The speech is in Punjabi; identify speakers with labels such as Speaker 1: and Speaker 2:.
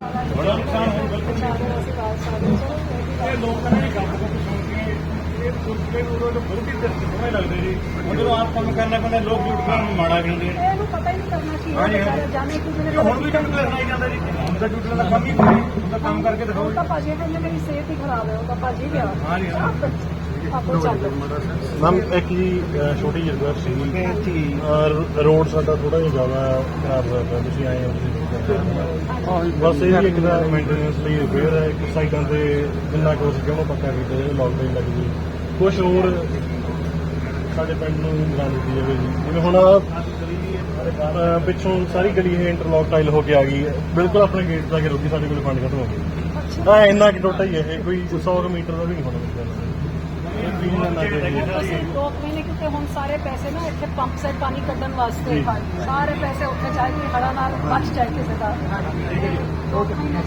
Speaker 1: बड़ा नुकसान हो बिल्कुल लोग कहने गप गुप सुन के दूसरे तो बहुत ही समय लगते जी हम जो आप काम करना पैंदा लोग झूठ बोलण माड़ा कहते हैं
Speaker 2: पता ही नहीं करना चाहिए
Speaker 1: हाँ जी हाँ
Speaker 2: जाने की
Speaker 1: ਹੁਣ ਵੀ ਝੂਠ ਸੁਣਾਈ ਜਾਂਦਾ ਜੀ ਹੁਣ ਤਾਂ ਝੂਠ ਦਾ ਕੰਮ ਹੀ ਕੋਈ ਉਹਦਾ ਕੰਮ ਕਰਕੇ ਦਿਖਾਓ
Speaker 2: ਤਾਂ ਭਾਜੀ ਕਹਿੰਦੇ ਮੇਰੀ ਸਿਹਤ ਹੀ ਖਰਾਬ ਹੈ ਉਹ ਤਾਂ ਭਾਜੀ ਗਿਆ
Speaker 1: ਹਾਂ ਜੀ ਹਾਂ
Speaker 2: ਆਪੋ ਚੱਲ
Speaker 3: ਮੈਮ ਇੱਕ ਜੀ ਛੋਟੀ ਜਿਹੀ ਰਿਕੁਐਸਟ ਸੀ ਰੋਡ ਸਾਡਾ ਥੋੜਾ ਜਿਹਾ ਜ਼ਿਆਦਾ ਖਰਾਬ ਹੋਇਆ ਪਿਆ ਤੁਸੀਂ ਆਏ ਹੋ ਤੁਸੀਂ ਬਸ ਇਹ ਵੀ ਇੱਕ ਦਾ ਮੇਨਟੇਨੈਂਸ ਲਈ ਰਿਪੇਅਰ ਹੈ ਇੱਕ ਸਾਈਡਾਂ ਤੇ ਜਿੰਨਾ ਕੁ ਸੀ ਉਹਨੂੰ ਪੱਕਾ ਕੀਤਾ ਜਾਵੇ ਲਾਕਡਾਊਨ ਲੱਗ ਜੀ ਕੁਛ ਹੋਰ ਸਾਡੇ ਪਿੰਡ ਨੂੰ ਬਣਾ ਦਿੱਤੀ ਜਾਵੇ ਜੀ ਜਿਵੇਂ ਹੁਣ ਪਿੱਛੋਂ ਸਾਰੀ ਗਲੀ ਇਹ ਇੰਟਰਲੌਕ ਟਾਈਲ ਹੋ ਕੇ ਆ ਗਈ ਹੈ ਬਿਲਕੁਲ ਆਪਣੇ ਗੇਟ ਜਾ ਕੇ ਰੁਕੀ ਸਾਡੇ ਕੋਲ ਫੰਡ ਖਤਮ ਹੋ ਗਈ ਹਾਂ ਇੰਨਾ ਕਿ ਟੋਟਾ ਹੀ ਇਹ ਕੋਈ 100 ਮੀਟਰ ਦਾ ਵੀ ਨਹੀਂ ਹੋਣਾ
Speaker 2: ਅਸੀਂ 2 ਮਹੀਨੇ ਕਿਉਂਕਿ ਹੁਣ ਸਾਰੇ ਪੈਸੇ ਨਾ ਇੱਥੇ ਪੰਪ ਸੇ ਪਾਣੀ ਕੱਢਣ ਵਾਸਤੇ ਸਾਰੇ ਪੈਸੇ ਉੱਥੇ ਜਾਏ ਕਿ ਹੜਾ ਨਾਲ ਬਚ ਜਾਏ ਕਿਸੇ ਦਾ 2 ਮਹੀਨੇ